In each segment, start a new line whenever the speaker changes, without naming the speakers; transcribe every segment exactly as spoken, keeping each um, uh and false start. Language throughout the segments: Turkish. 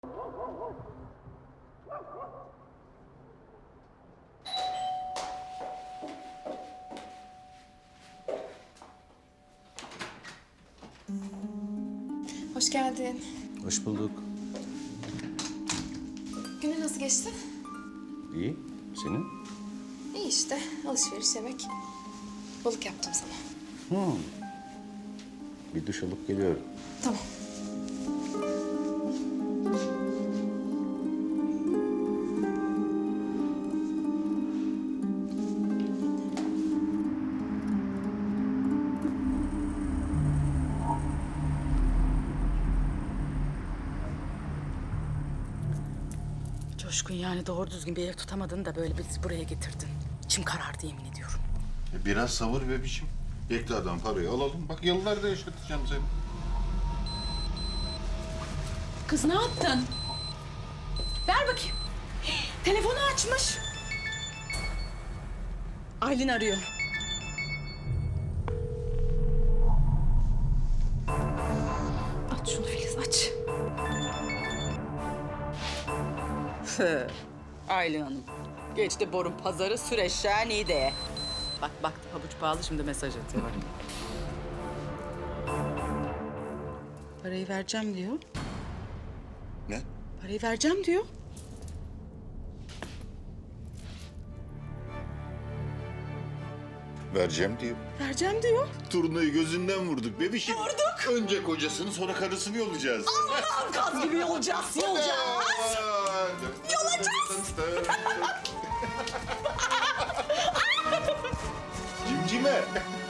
Hoş geldin.
Hoş bulduk.
Günün nasıl geçti?
İyi. Senin?
İyi işte. Alışveriş, yemek. Balık yaptım sana.
Hmm. Bir duş alıp geliyorum.
Tamam.
Coşkun, yani doğru düzgün bir ev tutamadın da böyle bizi buraya getirdin. İçim karardı, yemin ediyorum.
E, Biraz sabır be biçim. Bekle adam parayı alalım. Bak yıllarda yaşatacağım seni.
Kız ne yaptın? Ver bakayım. Telefonu açmış. Aylin arıyor.
Aç şunu Filiz, aç.
Aylin Hanım. Geçti borun pazarı, süreçler de. Bak bak, pabuç pahalı, şimdi mesaj atıyor bak. Parayı vereceğim diyor.
Ne?
Parayı vereceğim diyor.
Vereceğim diyor.
Vereceğim diyor.
Turnayı gözünden vurduk bebişim. Vurduk. Önce kocasını sonra karısını yollayacağız.
Allah'ım, kaz gibi yolacağız, yolacağız.
Yolacağız. Cimcime.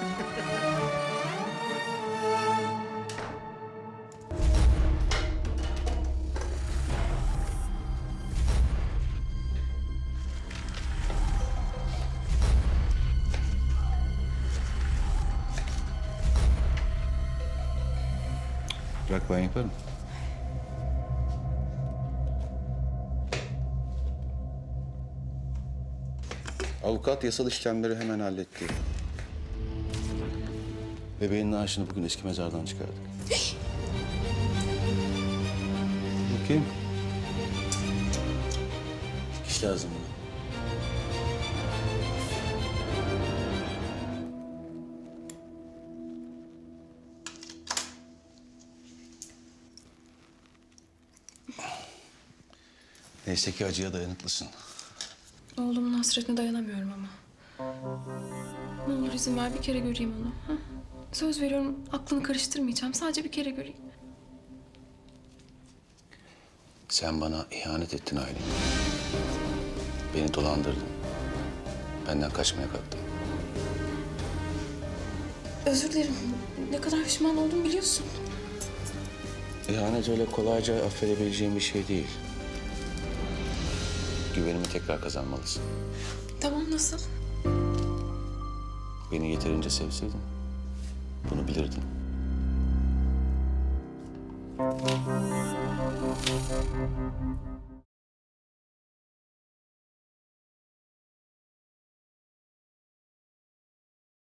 Bırak ben yaparım. Avukat yasal işlemleri hemen halletti. Bebeğin naaşını bugün eski mezardan çıkardık. Bakayım. Dikiş lazım buna. Neyse ki acıya dayanıklısın.
Oğlumun hasretine dayanamıyorum ama. Ne olur izin ver, bir kere göreyim onu. Ha? Söz veriyorum, aklını karıştırmayacağım. Sadece bir kere göreyim.
Sen bana ihanet ettin Aylin. Beni dolandırdın. Benden kaçmaya kalktın.
Özür dilerim. Ne kadar pişman oldum biliyorsun.
İhanet öyle kolayca affedebileceğim bir şey değil. Güvenimi tekrar kazanmalısın.
Tamam, nasıl?
Beni yeterince sevseydin bunu bilirdin.